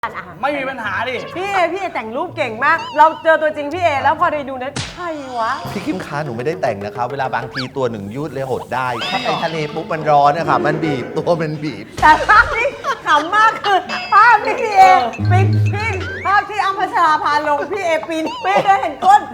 ไม่มีปัญหาดิพี่เอแต่งรูปเก่งมากเราเจอตัวจริงพี่เอแล้วพอได้ดูนั้นใครวะพี่คิมค้าหนูไม่ได้แต่งนะคะเวลาบางทีตัวหนึ่งยืดเลยหดได้ถ้าไปทะเลปุ๊บมันร้อนนะคะมันบีบตัวมันบีบแต่ภาพที่ขำมากคือภาพที่พี่เอปิ๊กพี่ภาพที่อัมพชราพาลงพี่เอปีนไม่ได้เห็นก้น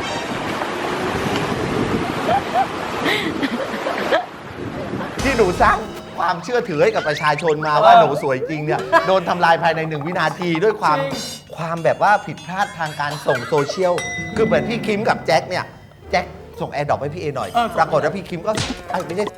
ที่หนูสร้างความเชื่อถือให้กับประชาชนมาว่าหนูสวยจริงเนี่ยโดนทำลายภายใน1 วินาทีด้วยความแบบว่าผิดพลาดทางการส่งโซเชียลคือเหมือนพี่คิมกับแจ็คเนี่ยแจ็คส่งแอร์ดรอปให้พี่เอหน่อยปรากฏว่าพี่คิมก็ไม่ใช่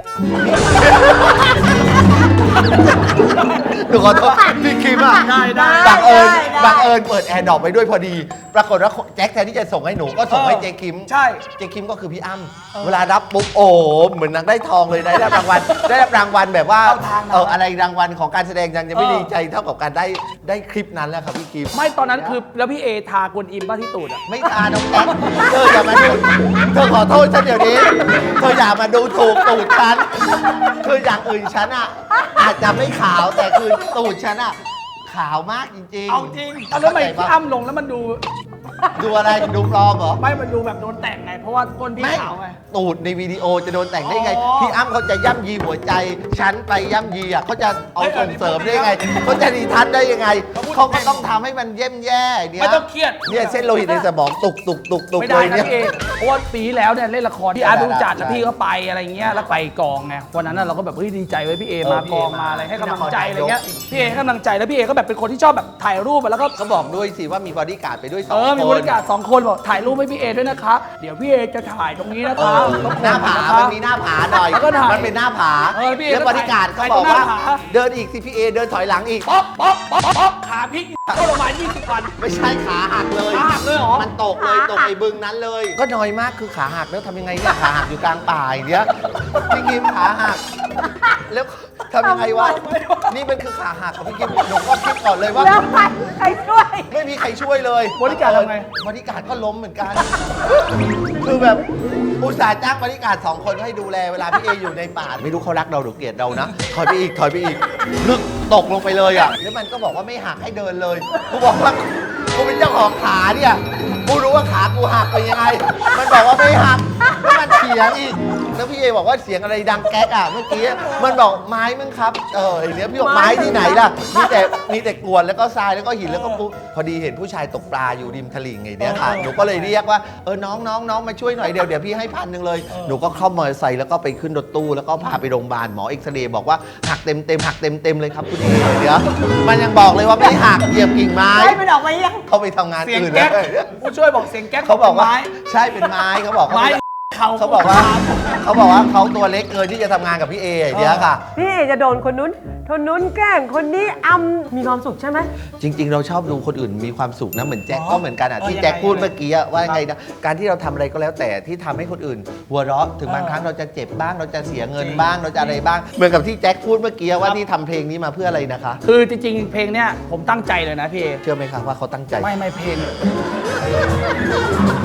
หนูขอโทษพี่คิมอ่ะบังเอิญเปิดแอร์ดรอปไปด้วยพอดีปรากฏว่าแจ็คแทนที่จะส่งให้หนูก็ส่งให้เจคิมใช่เจคิมก็คือพี่อ้ำเวลารับปุ๊บโอ้เหมือนนางได้ทองเลยได้รับรางวัลแบบว่าอะไรรางวัลของการแสดงยังไม่ดีใจเท่ากับการได้คลิปนั้นแล้วครับพี่คิมไม่ตอนนั้นคือแล้วพี่เอทากวนอิมบ้าที่ตูดอ่ะไม่ทาน้องแจ็คเธออย่ามาดูเธอขอโทษฉันเดี๋ยวนี้เธออย่ามาดูถูกตูดฉันคืออย่างอื่นฉันอ่ะอาจจะไม่ขาวแต่คือตูดฉันอ่ะขาวมากจริงๆเอาจริงแล้วทำไมพี่อ้ำลงแล้วมันดูอะไรดูปลอมเหรอไม่มันดูแบบโดนแต่งไงเพราะว่าก้นพี่ขาวไงตูดในวิดีโอจะโดนแต่งได้ไงพี่อ้ำเขาจะย่ำยีหัวใจฉันไปย่ำยีอ่ะเขาจะเอาส่งเสริมได้ไงเขาจะดีทัศน์ได้ยังไงเขาก็ต้องทำให้มันแย่เนี่ยไม่ต้องเครียดเนี่ยเส้นโลหิตในสมองตุกไม่ได้นะพี่เอเพราะว่าปีแล้วเนี่ยเล่นละครที่อาร์ตดูจัดแล้วพี่ก็ไปอะไรเงี้ยแล้วไปกองไงวันนั้นเราก็แบบเฮ้ยดีใจไว้พี่เอมากองมาอะไรให้กำลังใจอะไรเงี้ยพี่เอให้กำลังใจแล้วพี่เอก็แบบเป็นคนที่ชอบแบบถ่ายรูปแล้วก็เขาบอกด้วยสิว่ามีบอดี้การ์ดไปด้วย2 คนมีบริการ2 คนบอกถ่ายรูปให้พี่เอด้วยนะคะเดี๋ยวพี่เอจะถ่ายตรงนี้นะคะหน้าผามันมีหน้าผาหน่อยมันเป็นหน้าผาแล้วบริการเขาบอกว่าเดินอีกสิพี่เอเดินถอยหลังอีกป๊อกขาพลิกเข้าโรงพยาบาล20 วันไม่ใช่ขาหักเลยเหรอมันตกเลยตกไอ้บึงนั้นเลยก็น้อยมากคือขาหักแล้วทำยังไงเนี่ยขาหักอยู่กลางป่าอย่างเงี้ยพี่กิมขาหักแล้วทำยังไงวะนี่มันคือขาหักของพี่กิมหนูก็คิดก่อนเลยว่าใครช่วยไม่มีใครช่วยเลยบริการทำไงบริการก็ล้มเหมือนกันคือแบบอุตส่าห์จ้างบริการ2 คนให้ดูแลเวลาพี่เออยู่ในป่าไม่รู้เขารักเราหรือเกลียดเรานะถอยไปอีกลึกตกลงไปเลยอ่ะแล้วมันก็บอกว่าไม่หักให้เดินเลยกูบอกว่ากูเป็นเจ้าของขาเนี่ยกูรู้ว่าขากูหักเป็นยังไงมันบอกว่าไม่หักแล้วมันเถียงอีกแล้วพี่เอบอกว่าเสียงอะไรดังแก๊กอ่ะเมื่อกี้มันบอกไม้มึงครับไอ้เนี้ยพี่บอกไม้ที่ไหนล่ะมีแต่กรวดแล้วก็ทรายแล้วก็หินแล้วก็ปุ๊บพอดีเห็นผู้ชายตกปลาอยู่ริมตลิ่งไงเนี่ยค่ะหนูก็เลยเรียกว่าน้องมาช่วยหน่อยเดี๋ยวพี่ให้1,000เลยหนูก็เข้ามอเตอร์ไซค์แล้วก็ไปขึ้นรถตู้แล้วก็พาไปโรงพยาบาลหมอเอ็กซเรย์บอกว่าหักเต็มเลยครับคุณเอเดี๋ยวมันยังบอกเลยว่าไม่หักเหยียบกิ่งไม้ไม่ดอกไม้ยังเขาไปทำงานอื่นแล้วผู้ช่วยบอกเสียงแก๊กเขาบอกว่าใช่เป็นไม้เขาบอกไม้เขาบอกว่าเขาตัวเล็กเกินที่จะทำงานกับพี่เอเดี๋ยวค่ะพี่เอจะโดนคนนู้นแกล้งคนนี้มีความสุขใช่ไหมจริงๆเราชอบดูคนอื่นมีความสุขนะเหมือนแจ็คก็เหมือนกันอ่ะที่แจ็คพูดเมื่อกี้ว่าไงนะการที่เราทำอะไรก็แล้วแต่ที่ทำให้คนอื่นหัวเราะถึงบางครั้งเราจะเจ็บบ้างเราจะเสียเงินบ้างเราจะอะไรบ้างเหมือนกับที่แจ็คพูดเมื่อกี้ว่าที่ทำเพลงนี้มาเพื่ออะไรนะคะคือจริงๆเพลงเนี้ยผมตั้งใจเลยนะพี่เชื่อไหมคะว่าเขาตั้งใจไม่เพลง